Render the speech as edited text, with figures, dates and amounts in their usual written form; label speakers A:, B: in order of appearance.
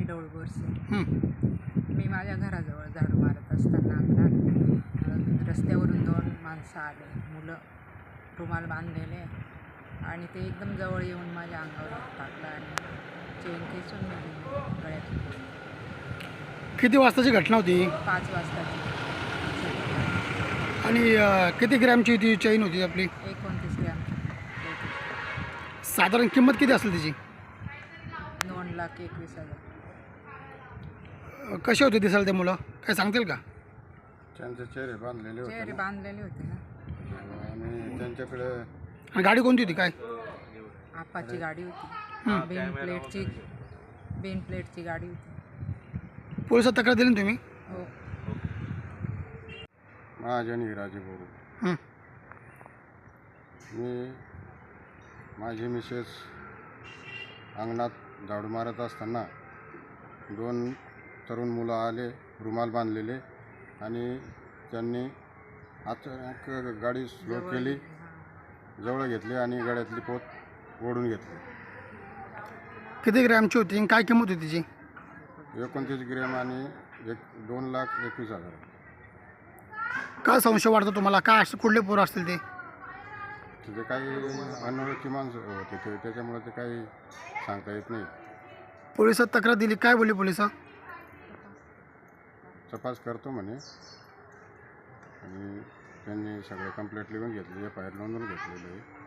A: डौळ बोरसे.
B: हं.
A: मी माझ्या घराजवळ झाडू मारत असताना अंगणात रस्त्यावरून 2 माणसं आले, मुलं रुमाल बांधलेले, आणि ते एकदम जवळ येऊन माझ्या अंगावर हात टाकला आणि चेन खेचून नेली गळ्यातून.
B: किती वाजताची घटना होती
A: 5 वाजताची.
B: आणि किती ग्रॅमची ती चैन होती आपली?
A: 29 ग्रॅमची होती.
B: साधारण किंमत किती असेल त्याची?
A: 2,21,000.
B: कसे होते दिसायला ते मुलं, काय सांगतील का?
C: त्यांचे चेहरे बांधलेले होते
A: चेहरे
C: ना.
A: बांधलेले होते ना.
C: आणि त्यांच्याकडे
B: आणि गाडी कोणती होती काय?
A: आपाची गाडी होती. बेन प्लेटची गाडी होती.
B: पोलिसात तक्रार दिली ना तुम्ही?
A: हो.
C: महाजनी राजे बोलू.
B: हं.
C: मी माझी मिसेस अंगणात झाडू मारत असताना 2 तरुण मुलं आले, रुमाल बांधलेले, आणि त्यांनी अचानक गाडी स्लो केली, जवळ घेतली आणि गळ्यातली पोत ओढून घेतली.
B: किती ग्रॅमची होती आणि काय किंमत होती तिची?
C: 29 ग्रॅम आणि 2,21,000.
B: काय संशय वाटतो तुम्हाला? काय असं कुठले पोरं असतील ते?
C: तिथे काही अनोळखी माणसं होते ते, त्याच्यामुळे ते काही सांगता येत नाही.
B: पोलिसात तक्रार दिली, काय बोलले पोलिस?
C: तपास करतो म्हणे, आणि त्यांनी सगळं कंप्लेंट लिहून घेतली, FIR नोंदवून घेतलेलं आहे.